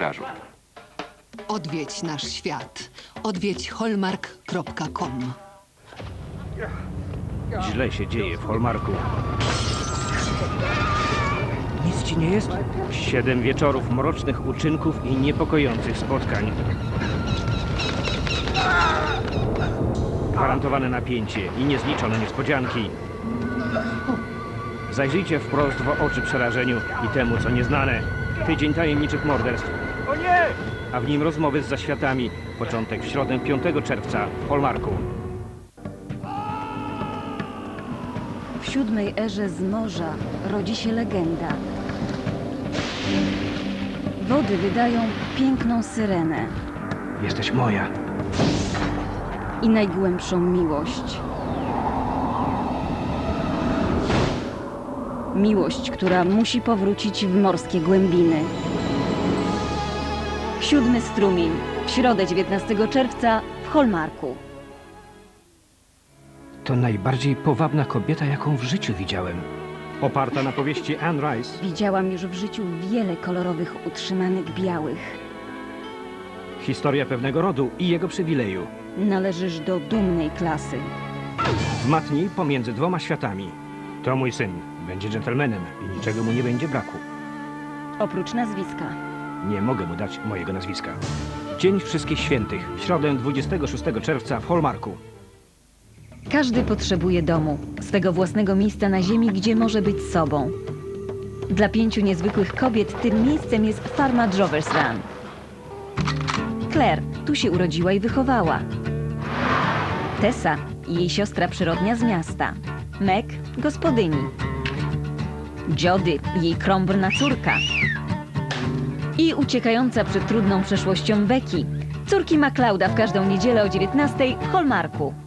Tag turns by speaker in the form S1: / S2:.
S1: pokażą.
S2: Odwiedź nasz świat. Odwiedź hallmark.com.
S3: Źle się dzieje w Hallmarku. Nic ci nie jest? 7 wieczorów mrocznych uczynków i niepokojących spotkań. Gwarantowane napięcie i niezliczone niespodzianki. Zajrzyjcie wprost w oczy przerażeniu i temu, co nieznane. Tydzień tajemniczych morderstw. O nie! A w nim rozmowy z zaświatami. Początek w środę 5 czerwca w Hallmarku.
S4: W 7. erze z morza rodzi się legenda. Wody wydają piękną syrenę
S3: Jesteś moja.
S4: i najgłębszą miłość. Miłość, która musi powrócić w morskie głębiny. 7. strumień, w środę 19 czerwca w Hallmarku.
S3: To najbardziej powabna kobieta, jaką w życiu widziałem. Oparta na powieści Anne Rice.
S4: Widziałam już w życiu wiele kolorowych utrzymanych białych.
S3: Historia pewnego rodu i jego przywileju.
S4: Należysz do dumnej klasy.
S3: W matni pomiędzy 2 światami. To mój syn. Będzie dżentelmenem i niczego mu nie będzie braku.
S4: Oprócz nazwiska.
S3: Nie mogę mu dać mojego nazwiska. Dzień Wszystkich Świętych. W środę 26 czerwca w Hallmarku.
S4: Każdy potrzebuje domu, swego własnego miejsca na ziemi, gdzie może być sobą. Dla 5 niezwykłych kobiet tym miejscem jest farma Drovers Run. Claire tu się urodziła i wychowała. Tessa, jej siostra przyrodnia z miasta. Meg, gospodyni. Jody, jej krąbrna córka. I uciekająca przed trudną przeszłością Becky, córki MacLeoda w każdą niedzielę o 19 w Hallmarku.